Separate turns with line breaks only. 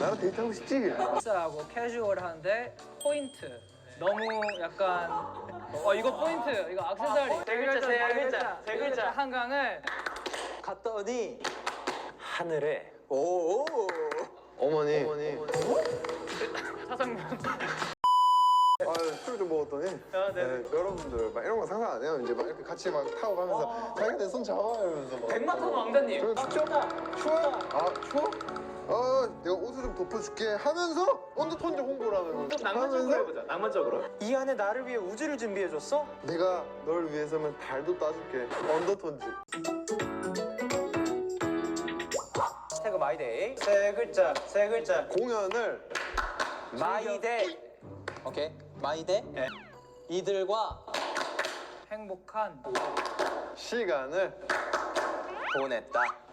나랑 데이트하고 싶지?
하고 캐주얼한데 포인트. 너무 약간 이거 포인트, 이거 액세서리. 세 글자 한강을
갔더니 하늘에
오. 어머니.
사장님.
술 좀 먹었더니 네, 여러분들 막 이런 거 상상 안 해요. 이제 막 이렇게 같이 막 타고 가면서 자기가 내 손 잡아 이러면서 막
백마탄 왕자님.
추워? 추워? 내가 옷을 좀 덮어줄게 하면서 언더톤즈 홍보를 하는 거.
낭만적으로 해보자. 낭만적으로.
이 안에 나를 위해 우주를 준비해줬어?
내가 널 위해서면 달도 따줄게. 언더톤즈.
태그 마이데이 세 글자
공연을
마이데이. 오케이 마이데이. 이들과
행복한
시간을
보냈다.